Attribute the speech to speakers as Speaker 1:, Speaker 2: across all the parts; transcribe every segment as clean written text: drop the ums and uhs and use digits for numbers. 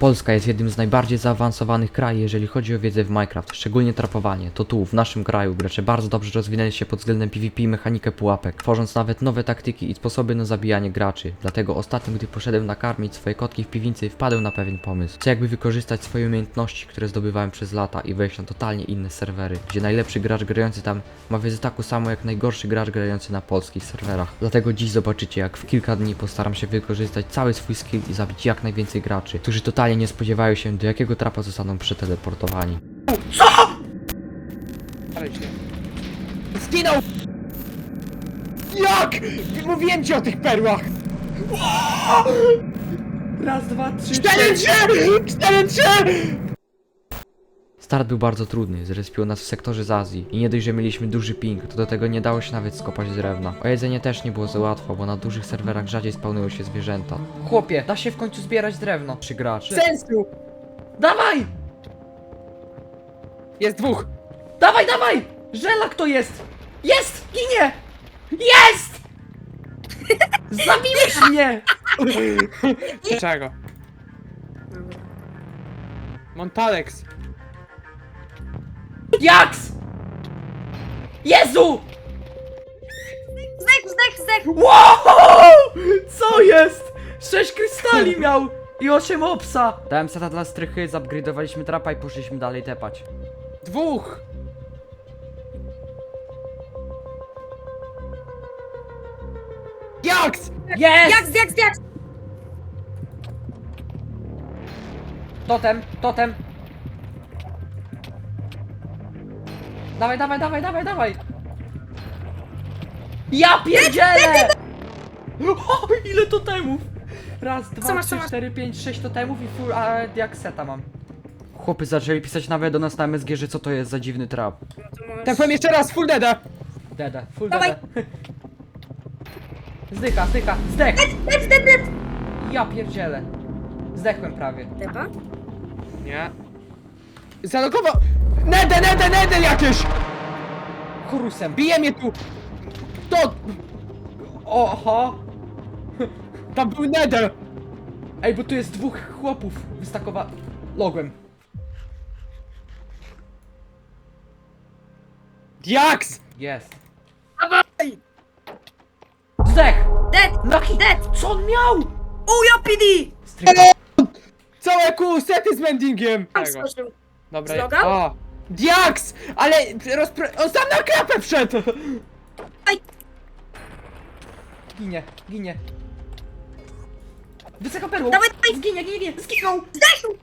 Speaker 1: Polska jest jednym z najbardziej zaawansowanych krajów, jeżeli chodzi o wiedzę w Minecraft, szczególnie trapowanie. To tu, w naszym kraju, gracze bardzo dobrze rozwinęli się pod względem PvP i mechanikę pułapek, tworząc nawet nowe taktyki i sposoby na zabijanie graczy. Dlatego ostatnio, gdy poszedłem nakarmić swoje kotki w piwnicy, wpadłem na pewien pomysł. Chcę jakby wykorzystać swoje umiejętności, które zdobywałem przez lata i wejść na totalnie inne serwery, gdzie najlepszy gracz grający tam ma wiedzę taką samą jak najgorszy gracz grający na polskich serwerach. Dlatego dziś zobaczycie, jak w kilka dni postaram się wykorzystać cały swój skill i zabić jak najwięcej graczy, którzy totalnie nie spodziewają się, do jakiego trapa zostaną przeteleportowani.
Speaker 2: Zginął! Jak? Mówiłem ci o tych perłach!
Speaker 1: Raz, dwa, trzy,
Speaker 2: 4-3!
Speaker 1: Start był bardzo trudny, zrespiło nas w sektorze z Azji i nie dość, że mieliśmy duży ping, to do tego nie dało się nawet skopać drewna. O jedzenie też nie było za łatwo, bo na dużych serwerach rzadziej spawnują się zwierzęta. Chłopie, da się w końcu zbierać drewno. 3 graczy.
Speaker 2: Sensu!
Speaker 1: Dawaj!
Speaker 2: Jest dwóch!
Speaker 1: Dawaj, dawaj! Żelak to jest! Jest! Ginie! Jest! Zabiłeś mnie!
Speaker 2: Czego? Montalex!
Speaker 1: Jaks! Jezu!
Speaker 3: Zdech!
Speaker 1: Wow! Co jest? 6 krystali miał! I 8 obsa! Dałem seta dla strychy, zupgrade'owaliśmy trapa i poszliśmy dalej tepać.
Speaker 2: Dwóch! Jaks!
Speaker 1: Jest!
Speaker 3: Jak!
Speaker 1: Totem! Dawaj! Ja pierdzielę! O, ile totemów! Raz,
Speaker 3: Co
Speaker 1: dwa,
Speaker 3: masz,
Speaker 1: trzy,
Speaker 3: co masz?
Speaker 1: 4, 5, 6 totemów i full diakseta mam. Chłopy zaczęli pisać nawet do nas na MSG, że co to jest za dziwny trap.
Speaker 2: Tak powiem jeszcze raz, full deada!
Speaker 1: Dede, full
Speaker 3: Dawaj.
Speaker 1: dede. Zdycha, zdech!
Speaker 3: Dead!
Speaker 1: Ja pierdzielę. Zdechłem prawie.
Speaker 3: Depa?
Speaker 2: Nie. Zalogował! Nede jakieś!
Speaker 1: Chorusem.
Speaker 2: Bije mnie tu! To!
Speaker 1: Oho!
Speaker 2: Tam był Nede!
Speaker 1: Ej, bo tu jest dwóch chłopów wystakowa... Logłem.
Speaker 2: Jaks!
Speaker 1: Jest.
Speaker 2: Dawaj!
Speaker 1: Zdech!
Speaker 3: Dead!
Speaker 1: Dead! Co on miał?
Speaker 3: Ujo PD!
Speaker 1: Stryka.
Speaker 2: Całe kół sety z mendingiem!
Speaker 3: Tam
Speaker 2: Tego.
Speaker 3: skoczył.
Speaker 2: Dobra,
Speaker 3: Zlogał?
Speaker 2: o! Diaks! Ale on sam na klapę wszedł!
Speaker 1: Ginie. Wysoka perłą.
Speaker 3: Dawaj!
Speaker 1: Zginie. Zginął.
Speaker 3: Zdechł!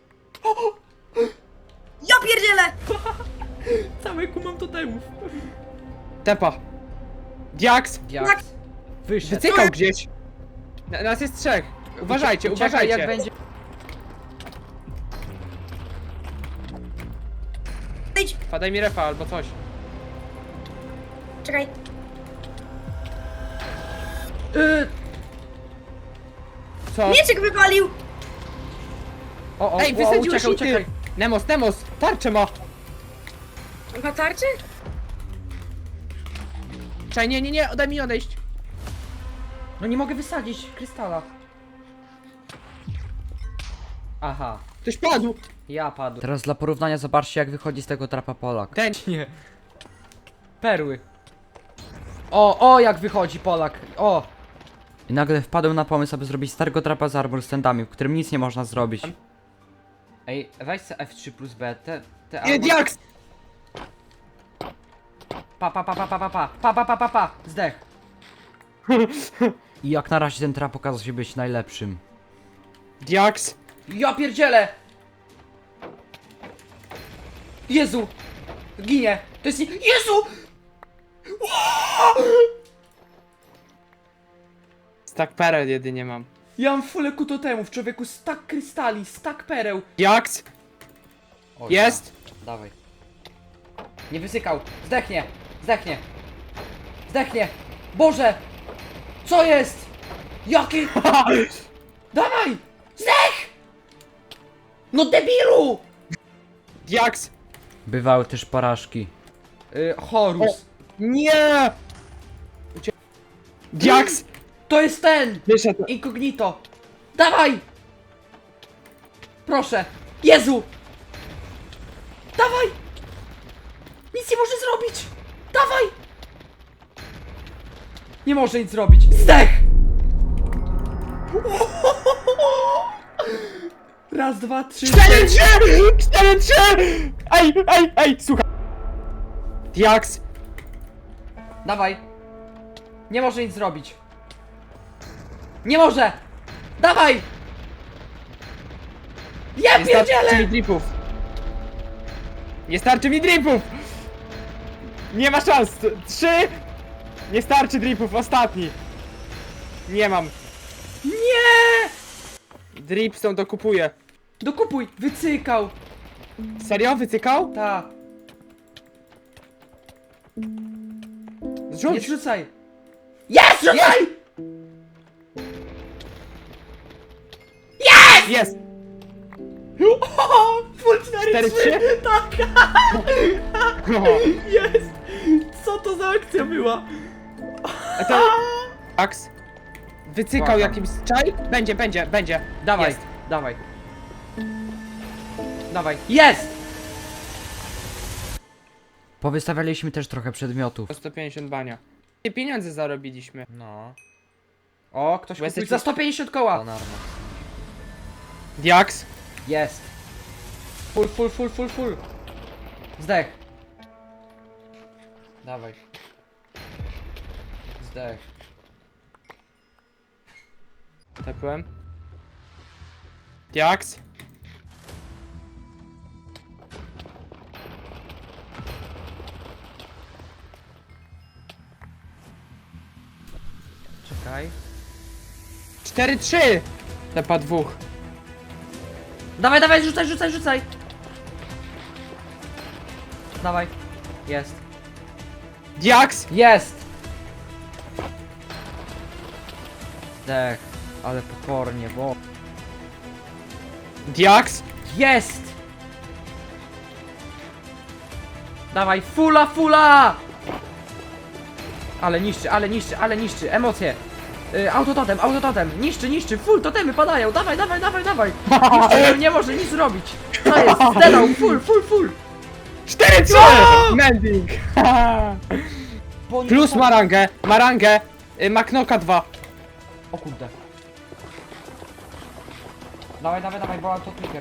Speaker 3: Ja pierdzielę!
Speaker 1: Całe ku mam totemów.
Speaker 2: Tepa. Diaks!
Speaker 1: Diaks. Wyszedł.
Speaker 2: Wycykał gdzieś! Nas jest trzech! Uważajcie,
Speaker 1: Uciekaj,
Speaker 2: uważajcie!
Speaker 1: jak będzie.
Speaker 3: Idź!
Speaker 2: Padaj mi refa albo coś.
Speaker 3: Czekaj.
Speaker 2: Co?
Speaker 3: Mieczek wypalił!
Speaker 1: O,
Speaker 2: Ej, wysadziłeś
Speaker 1: uciekaj.
Speaker 2: Nemos, tarczę ma!
Speaker 3: On ma tarczę?
Speaker 2: Czaj, nie, daj mi odejść.
Speaker 1: No nie mogę wysadzić krystala. Aha.
Speaker 2: Ktoś padł!
Speaker 1: Ja padł. Teraz dla porównania zobaczcie, jak wychodzi z tego trapa Polak.
Speaker 2: Ten.
Speaker 1: Nie. Perły. O, jak wychodzi Polak. O. I nagle wpadłem na pomysł, aby zrobić starego trapa z armor standami, w którym nic nie można zrobić. Ej, weź se F3 plus B, te
Speaker 2: Nie,
Speaker 1: armor...
Speaker 2: Diaks!
Speaker 1: Pa, zdech. I jak na razie ten trap okazał się być najlepszym.
Speaker 2: Diaks!
Speaker 1: Ja pierdzielę! Jezu! Ginie! To jest nie... Jezu!
Speaker 2: Stack pereł jedynie mam.
Speaker 1: Ja mam fulę kutotemów, człowieku, stack krystali, stack pereł.
Speaker 2: Diaks!
Speaker 1: O,
Speaker 2: Jest!
Speaker 1: ja. Dawaj. Nie wysykał. Zdechnie. Boże! Co jest? Jaki? Dawaj! Zdech! No debilu!
Speaker 2: Diaks!
Speaker 1: Bywały też porażki. Horus.
Speaker 2: Nie! Diaks!
Speaker 1: To jest ten!
Speaker 2: Wyszedł.
Speaker 1: Incognito. Dawaj! Proszę! Jezu! Dawaj! Nic nie może zrobić! Dawaj! Nie może nic zrobić! Zdech! Raz, dwa, trzy,
Speaker 2: 4-3! 4-3! Ej, słuchaj! Diaks!
Speaker 1: Dawaj! Nie może nic zrobić! Nie może! Dawaj! Ja
Speaker 2: Nie starczy mi
Speaker 1: pierdzielę!
Speaker 2: dripów! Nie starczy mi dripów! Nie ma szans! 3! Nie starczy dripów, ostatni! Nie mam.
Speaker 1: Nie!
Speaker 2: Dripstone dokupuję.
Speaker 1: Dokupuj! Wycykał!
Speaker 2: Serio? Wycykał?
Speaker 1: Ta! Nie
Speaker 2: Zrzuć!
Speaker 1: zrzucaj! Jest! Rzucaj!
Speaker 2: Jest!
Speaker 1: Full
Speaker 2: 4-3?
Speaker 1: 4-3! Tak!
Speaker 2: No.
Speaker 1: Jest! Co to za akcja była?
Speaker 2: A to... Diaks? Wycykał
Speaker 1: Błagam.
Speaker 2: jakimś czaj? Będzie.
Speaker 1: Dawaj,
Speaker 2: Jest.
Speaker 1: dawaj. Dawaj. Jest! Powystawialiśmy też trochę przedmiotów.
Speaker 2: Po 150 bania. I pieniądze zarobiliśmy.
Speaker 1: No. O, ktoś
Speaker 2: Bo
Speaker 1: kupił
Speaker 2: jesteśmy-
Speaker 1: za 150 koła.
Speaker 2: Diaks?
Speaker 1: Jest. Full. Zdech. Dawaj. Zdech.
Speaker 2: Tepłem. Diaks?
Speaker 1: Czekaj.
Speaker 2: 4-3! Tepa dwóch.
Speaker 1: Dawaj, rzucaj. Dawaj. Jest.
Speaker 2: Diaks?
Speaker 1: Jest! Zdech. Ale pokornie, bo...
Speaker 2: Diaks?
Speaker 1: Jest! Dawaj, fula! Ale niszczy, emocje. Autototem, niszczy, full, totemy padają, dawaj. Niszczy, nie może nic zrobić. Co jest? Zdedał, full.
Speaker 2: 4-3! Mending! Plus marangę. Maknoka 2.
Speaker 1: O kurde. Dawaj, bo to clicker.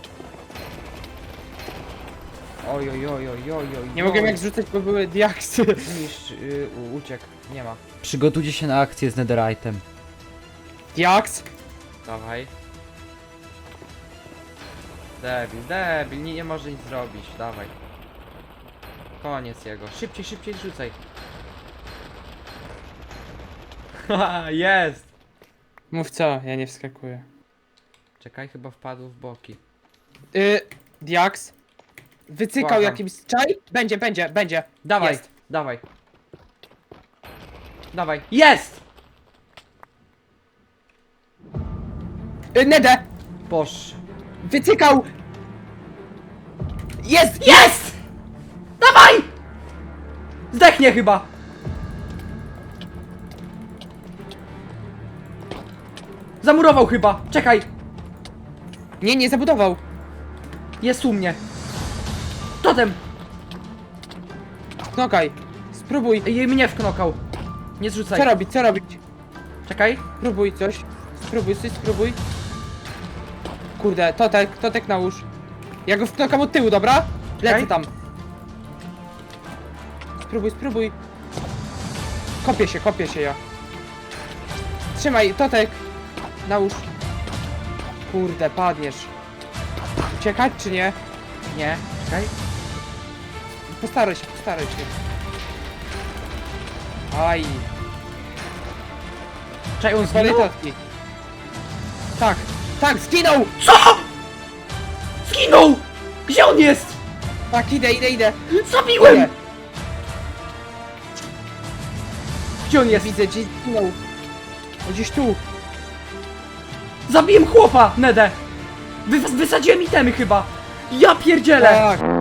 Speaker 1: Oj.
Speaker 2: Nie mogłem jak zrzucać, bo były diaksy.
Speaker 1: Niszcz, uciekł, nie ma. Przygotujcie się na akcję z netherite'em.
Speaker 2: Diaks?
Speaker 1: Dawaj. Debil, nie może nic zrobić, dawaj. Koniec jego. Szybciej rzucaj. Haha, jest!
Speaker 2: Mów co, ja nie wskakuję.
Speaker 1: Czekaj, chyba wpadł w boki.
Speaker 2: Diaks? Wycykał
Speaker 1: Błagam.
Speaker 2: jakimś czaj? Będzie.
Speaker 1: Dawaj,
Speaker 2: Jest.
Speaker 1: dawaj. Jest!
Speaker 2: Nedę!
Speaker 1: Boż.
Speaker 2: Wycykał! Jest!
Speaker 1: Jest! Dawaj! Zdechnie chyba. Zamurował chyba. Czekaj.
Speaker 2: Nie zabudował.
Speaker 1: Jest u mnie. Totem.
Speaker 2: Knokaj. Spróbuj.
Speaker 1: Jej mnie wknokał. Nie zrzucaj.
Speaker 2: Co robić?
Speaker 1: Czekaj.
Speaker 2: Spróbuj coś. Spróbuj. Kurde, totek nałóż. Ja go wknokam od tyłu, dobra? Lecę
Speaker 1: Okej.
Speaker 2: tam. Spróbuj. Kopię się ja. Trzymaj, totek. Nałóż. Kurde, padniesz. Uciekać czy nie?
Speaker 1: Nie. Czekaj.
Speaker 2: Postaraj się. Aj.
Speaker 1: Czekaj, on
Speaker 2: Zwalej
Speaker 1: zginął?
Speaker 2: totki. Tak, zginął!
Speaker 1: Co? Zginął! Gdzie on jest?
Speaker 2: Tak, idę.
Speaker 1: Zabiłem!
Speaker 2: Nie.
Speaker 1: Gdzie on jest?
Speaker 2: Widzę, gdzieś zginął. Gdzieś tu.
Speaker 1: Zabiłem chłopa, Nedę! Wysadziłem itemy chyba! Ja pierdzielę!
Speaker 2: Tak.